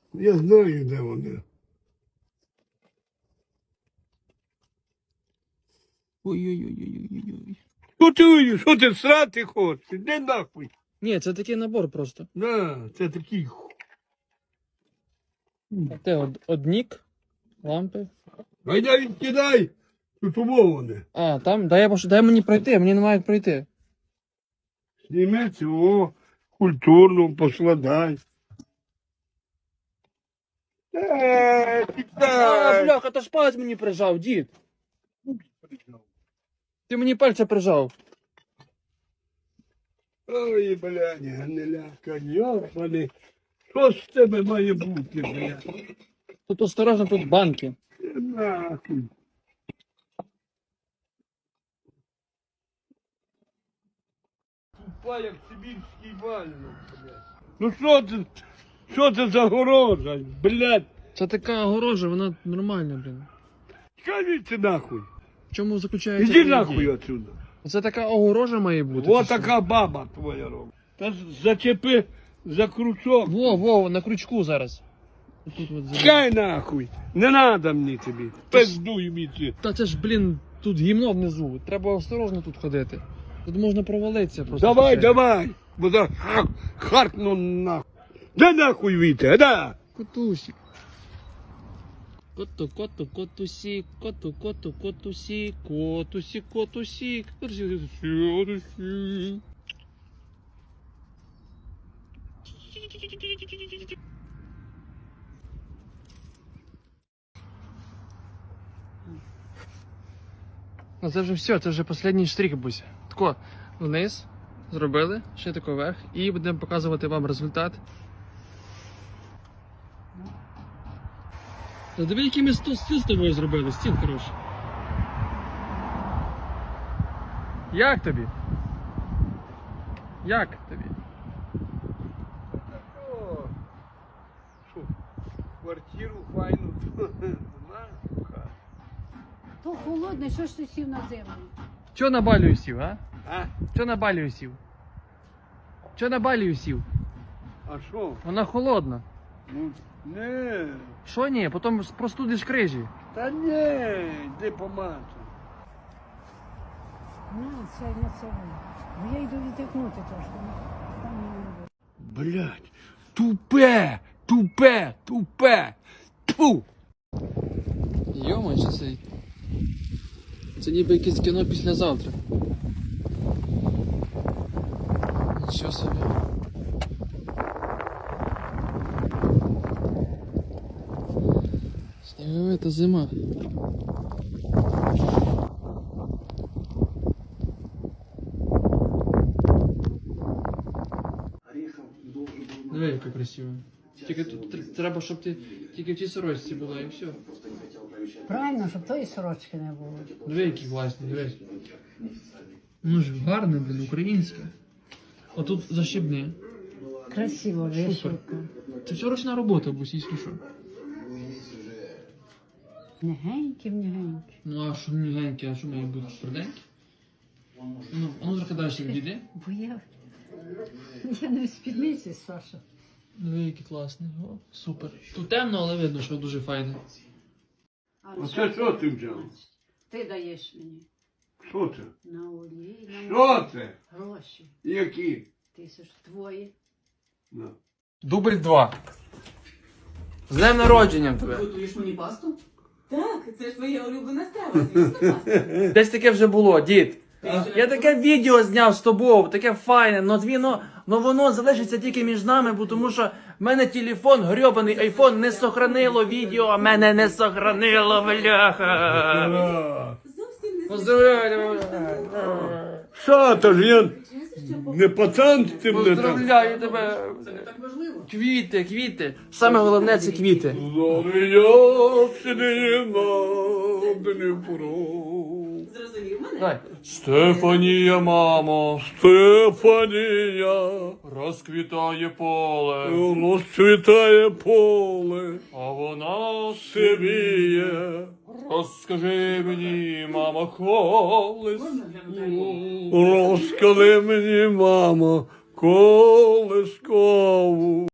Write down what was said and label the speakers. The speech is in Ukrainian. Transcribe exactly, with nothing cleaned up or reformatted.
Speaker 1: Я знаю, де вони.
Speaker 2: Ой-ой-ой-ой-ой-ой.
Speaker 1: Що ти, що ти срати хочеш? Іди нахуй.
Speaker 2: Ні, це такий набор просто.
Speaker 1: На, це такий. ху-
Speaker 2: Те од, однік, лампи.
Speaker 1: Гайда відкидай. Тут умоване.
Speaker 2: А, там, дай, я пош- дай мені пройти, мені немає як пройти.
Speaker 1: Зніми цього, культурно поскладай. Е,
Speaker 2: А,
Speaker 1: кидай.
Speaker 2: бляха, то ж палець мені прижав, дід. Ти мені пальця прижав.
Speaker 1: Ой, блядь, гниляка, йобаний. Що з тебе має бути, блядь?
Speaker 2: Тут осторожно, тут банки.
Speaker 1: Е, Нахуй. Тупа, як сибірський вальник, блядь. Ну що це, що це за горожа, блядь?
Speaker 2: Це така огорожа, вона нормальна, блін.
Speaker 1: Скажіть нахуй.
Speaker 2: В чому заключається?
Speaker 1: Іди
Speaker 2: ідея?
Speaker 1: нахуй отсюда.
Speaker 2: Це така огорожа має бути.
Speaker 1: О
Speaker 2: чи що?
Speaker 1: така баба твоя робить. Та зачепи за крючок.
Speaker 2: Во, во, на крючку зараз. Тут от зараз.
Speaker 1: Чекай нахуй. Не надо мені тобі. Пиздуй мені.
Speaker 2: Та це ж, блін, тут гімно внизу. Треба осторожно тут ходити. Тут можна провалитися просто.
Speaker 1: Давай,
Speaker 2: случайно.
Speaker 1: давай. Бо за ха- харкну нахуй. Да нахуй віте, да.
Speaker 2: Котусик. Коту, коту, котусик, коту, коту, котусик, котусик, котусик, котусик, котусик. Ну це вже все, це вже останній штрих, Буся. Тако, вниз, зробили, ще тако вверх, і будемо показувати вам результат. Та диви, який ми сто- стіл з тобою зробили, стіл хороший. Як тобі? Як тобі?
Speaker 1: О, що, квартиру файну.
Speaker 3: То холодне, що ж ти сів на землю?
Speaker 2: Чо на балію сів, а?
Speaker 1: А?
Speaker 2: Чо на балію сів? Чо на балію сів?
Speaker 1: А що?
Speaker 2: Вона холодна.
Speaker 1: Ну, не.
Speaker 2: Що ні? Потім простудиш крижі.
Speaker 1: Та ні, йди помати.
Speaker 3: Ну, це не це. Бо я йду відтикнути трошки. ну, Там мені не буде.
Speaker 1: Блядь, тупе, тупе, тупе. Тьфу.
Speaker 2: Йома, що це? Це ніби якесь кіно післязавтра. Нічого собі. Сніговита зима. Диви, яка красива. Тільки тут тр- треба, щоб ти тільки в цій сорочці була і все.
Speaker 3: Правильно, щоб тої сорочки не було.
Speaker 2: Диви, які класні, дивись. Ну ж гарне, блін, українське. Отут защібне.
Speaker 3: Красиво, вишивка.
Speaker 2: Це все ручна робота, бусі, що.
Speaker 3: Негенькі, негенькі.
Speaker 2: Ну а що мігеньке, а що має бути тверденьке? Ну, а ну трохи далі відійди.
Speaker 3: Бо я, я не в спідниці, Саша.
Speaker 2: Диви, які класні. О, супер. Тут темно, але видно, що дуже файне.
Speaker 1: Оце що ти взяв?
Speaker 3: Ти даєш мені
Speaker 1: Що це?
Speaker 3: на олії, на
Speaker 1: Що це?
Speaker 3: гроші.
Speaker 1: Які?
Speaker 3: Тисяч твої.
Speaker 1: На.
Speaker 2: Дубль два. З днем народженням тебе.
Speaker 4: Готуєш мені пасту? Так, це ж твоя улюблена страва, звісно, паста.
Speaker 2: Десь таке вже було, дід. Я таке відео зняв з тобою, таке файне, но воно, но воно залишиться тільки між нами, бо тому що в мене телефон, грьобаний айфон, не сохранило відео, а мене не сохранило, бляха.
Speaker 1: А,
Speaker 4: Зовсім не
Speaker 2: Поздравляю,
Speaker 1: Що то ж я
Speaker 4: звичайно, що
Speaker 1: не пацан з цим не там?
Speaker 2: поздравляю тебе.
Speaker 4: це не так важливо.
Speaker 2: Квіти, квіти. Саме головне це квіти.
Speaker 1: Зоря сиділа Дніпро.
Speaker 4: Зрозумів мене?
Speaker 2: Давай.
Speaker 1: Стефанія, мамо, Стефанія,
Speaker 2: Розквітає поле,
Speaker 1: розцвітає поле,
Speaker 2: а вона
Speaker 1: сивіє.
Speaker 2: розкажи мені, мама, колись.
Speaker 4: Можна глянути?
Speaker 1: Розкажи мені, мамо, колискову.